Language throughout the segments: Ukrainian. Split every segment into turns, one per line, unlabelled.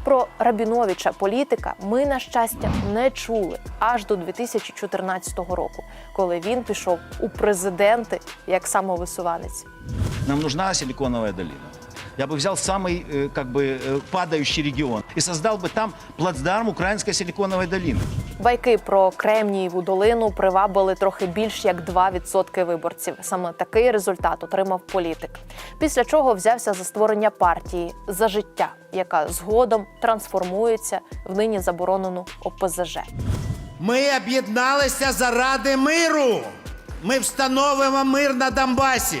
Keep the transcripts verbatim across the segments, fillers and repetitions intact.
Про Рабіновича, політика, ми, на щастя, не чули аж до дві тисячі чотирнадцятого року, коли він пішов у президенти як самовисуванець.
Нам нужна силиконовая долина. Я бы взял самый э, как бы э, падающий регион и создал бы там плацдарм украинской силиконовой долины.
Байки про Кремнієву долину привабили трохи більш як два відсотки виборців. Саме такий результат отримав політик. Після чого взявся за створення партії «За життя», яка згодом трансформується в нині заборонену О Пе Зе Же.
Ми об'єдналися заради миру. Ми встановимо мир на Донбасі.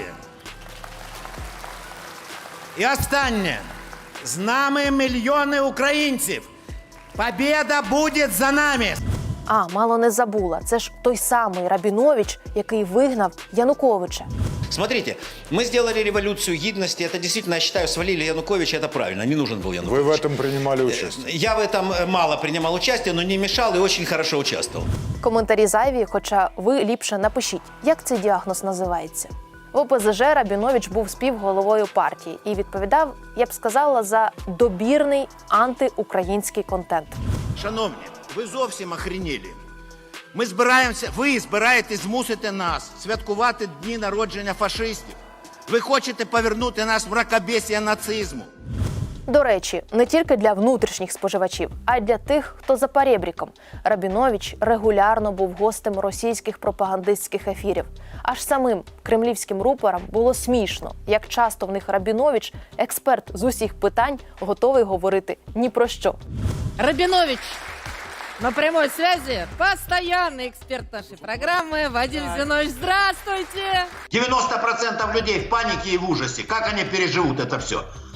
І останнє. З нами мільйони українців. Побєда буде за нами.
А, мало не забула. Це ж той самий Рабінович, який вигнав Януковича.
Смотрите, мы сделали революцию гидности. Это действительно, я считаю, свалили Януковича. Это правильно. Не нужен был Янукович.
Вы в этом принимали участие?
Я в этом мало принимал участие, но не мешал и очень хорошо участвовал.
Коментарі зайві, хоча ви ліпше напишіть, як цей діагноз називається. В О Пе Зе Же Рабінович був співголовою партії і відповідав, я б сказала, за добірний антиукраїнський контент.
Шановні, ви зовсім охренілі. Ми збираємося, ви збираєтесь змусити нас святкувати дні народження фашистів. Ви хочете повернути нас в мракобесія нацизму.
До речі, не тільки для внутрішніх споживачів, а й для тих, хто за перебріком. Рабінович регулярно був гостем російських пропагандистських ефірів. Аж самим кремлівським рупорам було смішно, як часто в них Рабінович, експерт з усіх питань, готовий говорити ні про що.
Рабинович на прямой связи, постоянный эксперт нашей программы Вадим Зинович. Здравствуйте!
девяносто процентов людей в панике и в ужасе. Как они переживут это все?